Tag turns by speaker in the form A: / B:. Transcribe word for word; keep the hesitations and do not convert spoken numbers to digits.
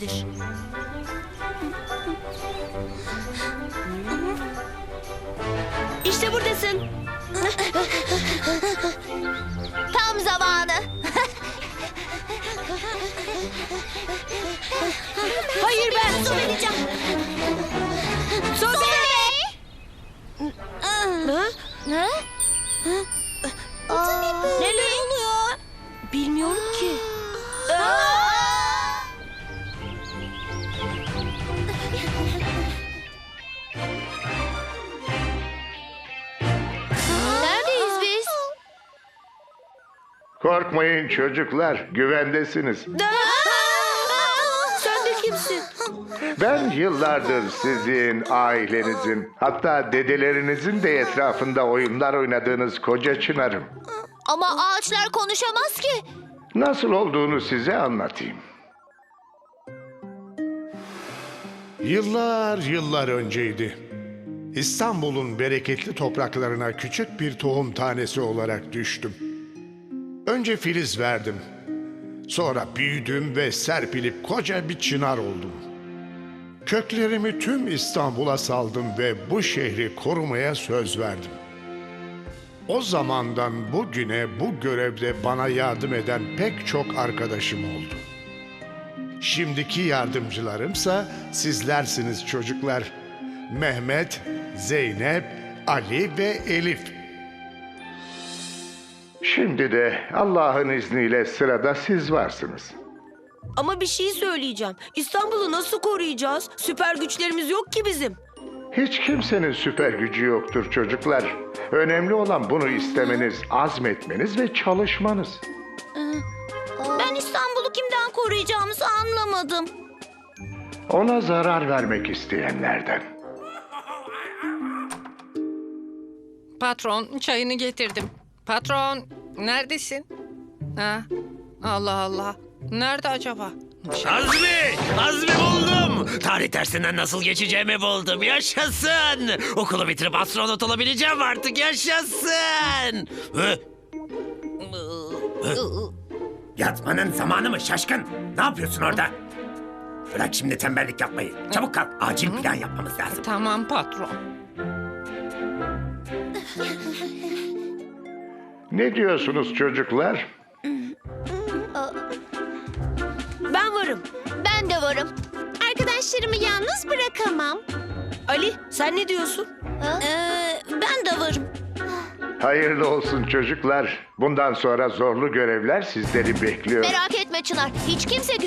A: nerededir? İşte buradasın.
B: Tam zamanı.
A: Hayır ben.
B: Su vereceğim.
A: Sobe! Ha?
B: Ne? Aa,
A: Neler oluyor? Bilmiyorum ki.
B: Neredeyiz biz?
C: Korkmayın çocuklar, güvendesiniz.
A: Sen de kimsin?
C: Ben yıllardır sizin, ailenizin, hatta dedelerinizin de etrafında oyunlar oynadığınız koca çınarım.
B: Ama ağaçlar konuşamaz ki.
C: Nasıl olduğunu size anlatayım.
D: Yıllar yıllar önceydi. İstanbul'un bereketli topraklarına küçük bir tohum tanesi olarak düştüm. Önce filiz verdim. Sonra büyüdüm ve serpilip koca bir çınar oldum. Köklerimi tüm İstanbul'a saldım ve bu şehri korumaya söz verdim. O zamandan bugüne bu görevde bana yardım eden pek çok arkadaşım oldu. Şimdiki yardımcılarımsa sizlersiniz çocuklar. Mehmet, Zeynep, Ali ve Elif.
C: Şimdi de Allah'ın izniyle sırada siz varsınız.
A: Ama bir şey söyleyeceğim. İstanbul'u nasıl koruyacağız? Süper güçlerimiz yok ki bizim.
C: Hiç kimsenin süper gücü yoktur çocuklar. Önemli olan bunu istemeniz, azmetmeniz ve çalışmanız.
B: Ben İstanbul'u kimden koruyacağımızı anlamadım.
C: Ona zarar vermek isteyenlerden.
E: Patron, çayını getirdim. Patron, neredesin? Ha? Allah Allah. Nerede acaba?
F: Azmi! Azmi buldum! Tarih dersinden nasıl geçeceğimi buldum. Yaşasın! Okulu bitirip astronot olabileceğim artık. Yaşasın! Hı? Hı? Yatmanın zamanı mı şaşkın? Ne yapıyorsun orada? Bırak şimdi tembellik yapmayı. Çabuk kalk. Acil plan yapmamız lazım.
E: Tamam patron.
C: Ne diyorsunuz çocuklar?
A: Ben varım.
B: Ben de varım. Arkadaşlarımı yalnız bırakamam.
A: Ali sen ne diyorsun?
B: Ee, ben de varım.
C: Hayırlı olsun çocuklar. Bundan sonra zorlu görevler sizleri bekliyor.
B: Merak etme Çınar. Hiç kimse